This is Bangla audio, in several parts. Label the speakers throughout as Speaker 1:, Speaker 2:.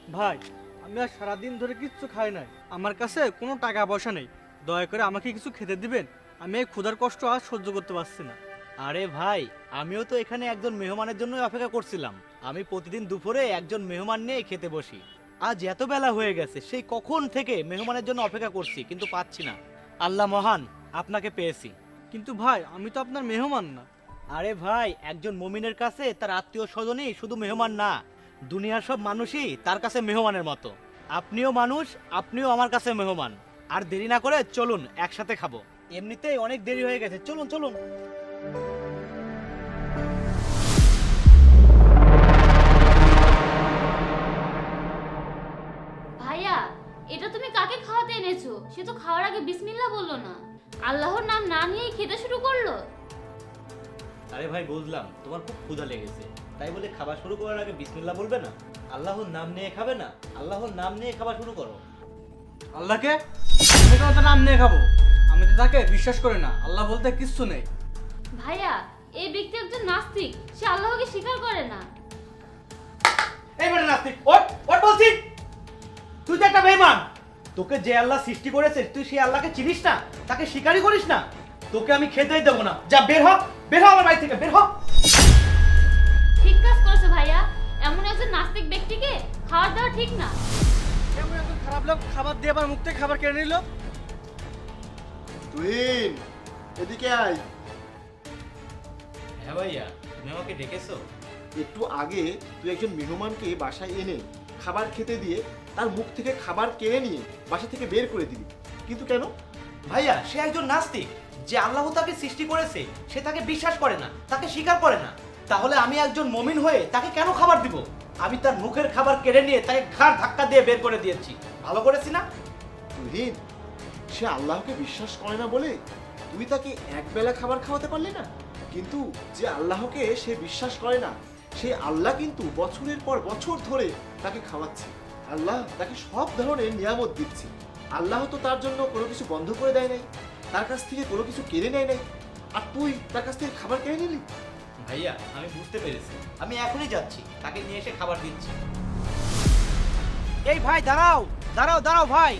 Speaker 1: ভাই, আমি আর সারাদিন ধরে কিচ্ছু খাই নাই, আমার কাছে কোনো টাকা পয়সা নেই, দয়া করে আমাকে কিছু খেতে দিবেন। আমি এই ক্ষুধার কষ্ট আর সহ্য করতে পারছি না।
Speaker 2: আরে ভাই, আমিও তো এখানে একজন মেহমানের জন্য অপেক্ষা করছিলাম। আমি প্রতিদিন দুপুরে একজন মেহমান নিয়ে খেতে বসি। আজ এত বেলা হয়ে গেছে, সেই কখন থেকে মেহমানের জন্য অপেক্ষা করছি, কিন্তু পাচ্ছি না। আল্লাহ মহান, আপনাকে পেয়েছি।
Speaker 1: কিন্তু ভাই, আমি তো আপনার মেহমান না।
Speaker 2: আরে ভাই, একজন মুমিনের কাছে তার আত্মীয় স্বজনই শুধু মেহমান না, দুনিয়ার সব মানুষই তার কাছে মেহমানের মতো। আপনিও মানুষ, আপনিও আমার কাছে মেহমান। আর দেরি না করে চলুন একসাথে খাবো, এমনিতেই অনেক দেরি হয়ে গেছে। চলুন চলুন।
Speaker 3: ভাইয়া, এটা তুমি কাকে খাওয়াতে এনেছো? সে তো খাওয়ার আগে বিসমিল্লাহ বললো না, আল্লাহর নাম না নিয়েই খেতে শুরু করলো।
Speaker 2: আরে ভাই, বুঝলাম তোমার খুব ক্ষুধা লেগেছে, তাই বলে খাবার শুরু করার আগে বিসমিল্লাহ বলবে না? আল্লাহর নাম নিয়ে খাবে না? আল্লাহর নাম নিয়ে খাবার শুরু করো।
Speaker 1: আল্লাহকে আমি কেন তার নাম নিয়ে খাবো? আমি তো তাকে বিশ্বাস করি না, আল্লাহ বলতে কিচ্ছু নেই।
Speaker 3: ভাইয়া, এই ব্যক্তি একজন নাস্তিক, সে আল্লাহকে স্বীকার করে না।
Speaker 2: এইবারে নাস্তিক, ওঠ ওঠ বলছি। তুই তো একটা বেঈমান। তোকে যে আল্লাহ সৃষ্টি করেছে তুই সেই আল্লাহকে চিনিস না, তাকে স্বীকারই করিস না। তোকে আমি খেতেই দেবো না। যা, বের হ, বের হ আমার বাড়ি থেকে, বের হ।
Speaker 3: ঠিক কাজ করেছো ভাইয়া, এমন একজন নাস্তিক ব্যক্তিকে খাবার দেওয়া ঠিক না।
Speaker 1: এমন একজন খারাপ লোক খাবার দিয়ে আবার মুখ থেকে খাবার কেড়ে নিল।
Speaker 4: তুহিন, এদিকে আয়।
Speaker 2: হ্যাঁ ভাইয়া, তুমি আমাকে ডেকেছো?
Speaker 4: একটু আগে তুই একজন মেহমানকে বাসায় এনে খাবার খেতে দিয়ে তার মুখ থেকে খাবার কেড়ে নিয়ে বাসা থেকে বের করে দিবি, কিন্তু কেন?
Speaker 2: ভাইয়া, সে একজন নাস্তিক। যে আল্লাহ তাকে সৃষ্টি করেছে সে তাকে বিশ্বাস করে না, তাকে স্বীকার করে না। তাহলে আমি একজন মুমিন হয়ে তাকে কেন খাবার দিব? আমি তার মুখের খাবার কেড়ে নিয়ে তাকে ঘাড় ধাক্কা দিয়ে বের করে দিয়েছি। ভালো করেছি না?
Speaker 4: তুহিন, সে আল্লাহকে বিশ্বাস করে না বলে তুই তাকে একবেলা খাবার খাওয়াতে পারলি না, কিন্তু যে আল্লাহকে সে বিশ্বাস করে না সেই আল্লাহ কিন্তু বছরের পর বছর ধরে তাকে খাওয়াচ্ছে। আল্লাহ তাকে সব ধরনের নিয়ামত দিচ্ছে। আল্লাহ তো তার জন্য কোনো কিছু বন্ধ করে দেয় নাই, তার কাছ থেকে কোনো কিছু কেড়ে নেয় নাই, আর তুই তার কাছ থেকে খাবার কেড়ে নিলি।
Speaker 2: ভাইয়া, আমি বুঝতে পেরেছি, আমি এখনই যাচ্ছি, তাকে নিয়ে এসে খাবার দিচ্ছি। এই ভাই, দাঁড়াও দাঁড়াও দাঁড়াও ভাই।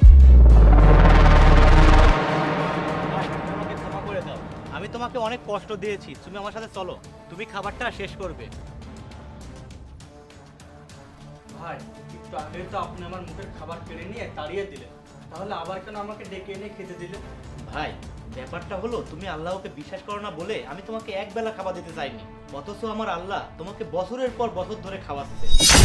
Speaker 2: ভাই, তুমি আমাকে ক্ষমা করে দাও। আমি তোমাকে অনেক কষ্ট দিয়েছি, তুমি আমার সাথে চলো, তুমি খাবারটা শেষ করবে।
Speaker 1: ভাই, একটু আগে তো আপনি আমার মুখের খাবার কেড়ে নিয়ে তাড়িয়ে দিলেন, তাহলে আবার কেন আমাকে ডেকে এনে খেতে দিলেন?
Speaker 2: ভাই, ব্যাপারটা হলো তুমি আল্লাহকে বিশ্বাস করো না বলে আমি তোমাকে এক বেলা খাবার দিতে চাইনি, অথচ আমার আল্লাহ তোমাকে বছরের পর বছর ধরে খাওয়াচ্ছে।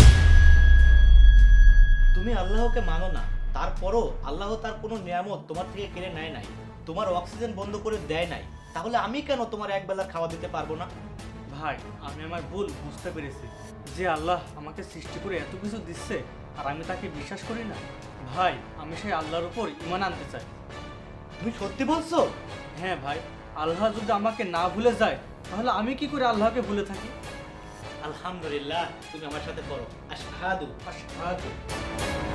Speaker 2: তুমি আল্লাহকে মানো না, তারপরও আল্লাহ তার কোনো নিয়ামত তোমার থেকে কেড়ে নেয় নাই, তোমার অক্সিজেন বন্ধ করে দেয় নাই, তাহলে আমি কেন তোমার এক বেলা খাওয়া দিতে পারবো না?
Speaker 1: ভাই, আমি আমার ভুল বুঝতে পেরেছি, যে আল্লাহ আমাকে সৃষ্টি করে এত কিছু দিচ্ছে আর আমি তাকে বিশ্বাস করি না। ভাই, আমি সেই আল্লাহর উপর ঈমান আনতে চাই।
Speaker 2: তুমি সত্যি বলছো?
Speaker 1: হ্যাঁ ভাই, আল্লাহ যদি আমাকে না ভুলে যায় তাহলে আমি কি করে আল্লাহকে ভুলে থাকি?
Speaker 2: আলহামদুলিল্লাহ, তুমি আমার সাথে পড়ো, আশহাদু।
Speaker 1: আশহাদু